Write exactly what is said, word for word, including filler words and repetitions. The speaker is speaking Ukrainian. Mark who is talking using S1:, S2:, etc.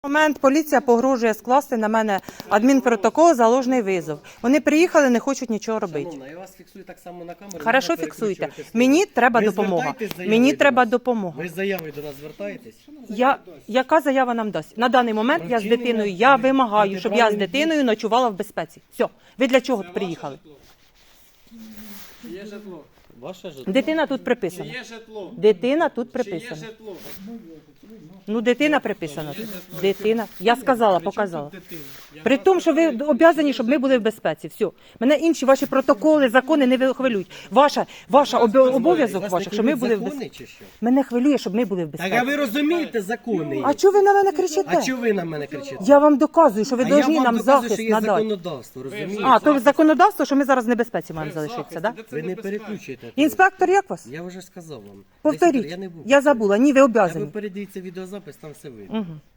S1: Момент поліція погрожує скласти на мене адмінпротокол за ложний визов. Вони приїхали, не хочуть нічого робити.
S2: Шановна, я вас фіксую так само на камеру.
S1: Хорошо, фіксуйте. Мені треба
S2: Ви
S1: допомога.
S2: звертаєтесь з заявою
S1: Мені
S2: до
S1: треба
S2: нас?
S1: допомога.
S2: Ви з заявою до нас звертаєтесь?
S1: Я, яка заява нам дасть? На даний момент я з
S2: Вчинення
S1: дитиною, я вимагаю, щоб я з
S2: протиправних дій.
S1: дитиною ночувала в безпеці. Все. Ви для чого приїхали?
S3: Є житло.
S2: Ваше житло?
S1: Дитина тут
S3: Чи
S1: приписана.
S3: є житло?
S1: Дитина тут
S3: Чи є
S1: приписана.
S3: житло?
S1: Ну, дитина приписана тут. Дитина. Я сказала, показала.
S3: Дитина. Я
S1: При
S3: вас
S1: тому, що ви
S3: питаю,
S1: обов'язані, щоб ми були в безпеці. Все. Мене інші ваші протоколи, закони не хвилюють. Ваша, ваша обо- обов'язок
S2: Вас
S1: ваш,
S2: не
S1: щоб ми
S2: хвилюють
S1: були в
S2: закони
S1: безпеці.
S2: чи що?
S1: Мене хвилює, щоб ми були в
S2: Так а
S1: безпеці.
S2: ви розумієте закони?
S1: А чого ви на мене кричите?
S2: А чого ви на мене кричите?
S1: Я вам доказую, що ви
S2: А
S1: повинні
S2: я вам
S1: нам
S2: доказую,
S1: захист
S2: що є
S1: надати.
S2: законодавство, розумієте?
S1: А, то законодавство, що ми зараз в небезпеці маємо
S3: ви
S1: залишитися,
S3: захист,
S1: так?
S3: де
S1: Да?
S3: це
S2: Ви не
S3: небезпечно?
S2: переключуєте.
S1: Інспектор, як вас?
S2: Я вже сказав вам.
S1: Повторіть.
S2: Десять- Я не був.
S1: Я забула. Ні, ви
S2: Я ви
S1: обов'язані.
S2: передивіться відеозапис, там все видно.
S1: Угу.